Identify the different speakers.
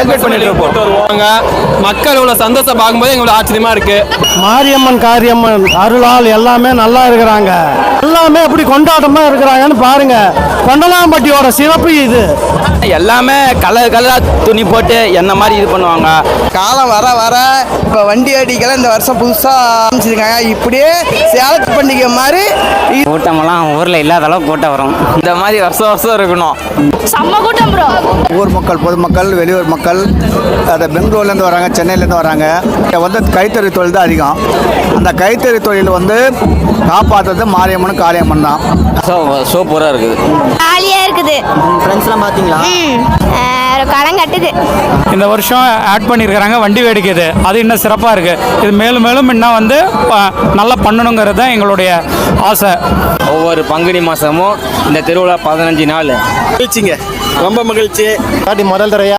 Speaker 1: Celebrate பண்ணிட்டு இருப்போம். மக்கள் இவ்வளவு சந்தோஷம் பார்க்கும்போது எங்களுக்கு ஆச்சரியமா இருக்கு.
Speaker 2: மாரியம்மன் காரியம்மன் அருளால் எல்லாமே நல்லா இருக்கிறாங்க. எல்லாமே எப்படி கொண்டாட்டமா இருக்கிறாங்கன்னு பாருங்க. கொண்டலாம்பட்டியோட சிறப்பு இது.
Speaker 3: எல்லாமே கலர் கலரா துணி போட்டு என்ன மாதிரி இது பண்ணுவாங்க.
Speaker 4: காலம் வர வர இப்போ வண்டி அடிக்கலாம் இந்த வருஷம் புதுசாக ஆரம்பிச்சிருக்காங்க. இப்படியே சேலத்து பண்டிகை மாதிரி
Speaker 3: கூட்டமெல்லாம் ஊரில் இல்லாத அளவுக்கு கூட்டம் வரும். இந்த மாதிரி வருஷம் வருஷம் இருக்கணும்.
Speaker 5: செம்ம கூட்டம் ப்ரோ.
Speaker 6: ஊர் மக்கள், பொதுமக்கள், வெளியூர் மக்கள், அதை பெங்களூர்லேருந்து வராங்க, சென்னையிலேருந்து வராங்க. வந்து கைத்தறி தொழில் தான் அதிகம். அந்த கைத்தறி தொழில் வந்து காப்பாற்றுறது மாரியம்மன் காளியம்மன் தான்.
Speaker 3: சூப்பராக இருக்குது,
Speaker 5: ஜாலியாக இருக்குது.
Speaker 4: ஃப்ரெண்ட்ஸ்லாம் பார்த்தீங்களா?
Speaker 5: களம் கட்டுது.
Speaker 2: இந்த வருஷம் ஆட் பண்ணியிருக்கிறாங்க வண்டி வேடிக்கை. அது இன்னும் சிறப்பாக இருக்குது. இது மேலும் மேலும் இன்னும் வந்து நல்லா பண்ணணுங்கிறது தான் எங்களுடைய ஆசை.
Speaker 3: ஒவ்வொரு பங்குனி மாதமும் இந்த திருவிழா 15 நாள்
Speaker 1: மகிழ்ச்சிங்க, ரொம்ப மகிழ்ச்சி.
Speaker 2: முதல் தடவையா